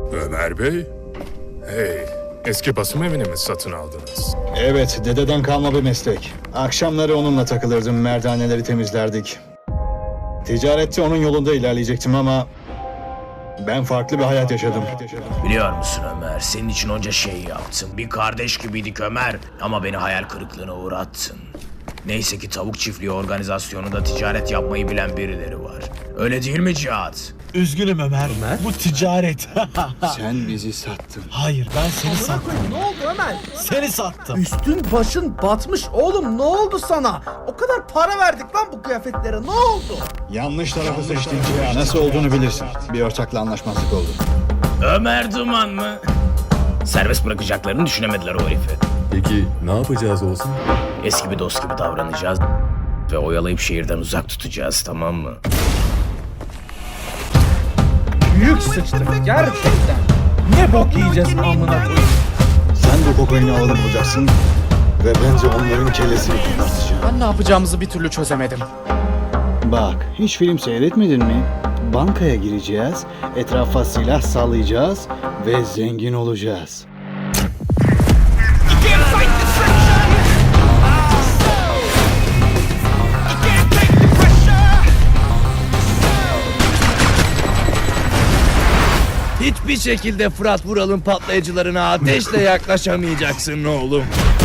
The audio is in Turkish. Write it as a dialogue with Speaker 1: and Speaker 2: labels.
Speaker 1: Ömer Bey? Hey, eski basım evini mi satın aldınız?
Speaker 2: Evet, dededen kalma bir meslek. Akşamları onunla takılırdım, merdaneleri temizlerdik. Ticarette onun yolunda ilerleyecektim ama ben farklı bir hayat yaşadım.
Speaker 3: Biliyor musun Ömer, senin için onca şey yaptım. Bir kardeş gibiydik Ömer ama beni hayal kırıklığına uğrattın. Neyse ki tavuk çiftliği organizasyonunda ticaret yapmayı bilen birileri var. Öyle değil mi Cihat?
Speaker 4: Üzgünüm Ömer. Bu ticaret.
Speaker 2: Sen bizi sattın.
Speaker 4: Hayır, ben seni sattım.
Speaker 5: Ne oldu Ömer?
Speaker 4: Seni sattım.
Speaker 5: Üstün başın batmış oğlum, ne oldu sana? O kadar para verdik lan bu kıyafetlere, ne oldu?
Speaker 2: Yanlış tarafı seçtin Cihan. Nasıl olduğunu bilirsin. Bir ortakla anlaşmazlık oldu.
Speaker 3: Ömer Duman mı? Serbest bırakacaklarını düşünemediler o herifi.
Speaker 6: Peki ne yapacağız olsun?
Speaker 3: Eski bir dost gibi davranacağız ve oyalayıp şehirden uzak tutacağız, tamam mı?
Speaker 5: Büyük sıçtık gerçekten. Ne bok yiyeceğiz amına koyayım.
Speaker 2: Sen bu kokaini alanı bulacaksın ve bence onların kellesini kopartacağım.
Speaker 7: Ben ne yapacağımızı bir türlü çözemedim.
Speaker 2: Bak, hiç film seyretmedin mi? Bankaya gireceğiz, etrafa silah sallayacağız ve zengin olacağız.
Speaker 8: Hiçbir şekilde Fırat Vural'ın patlayıcılarına ateşle yaklaşamayacaksın oğlum.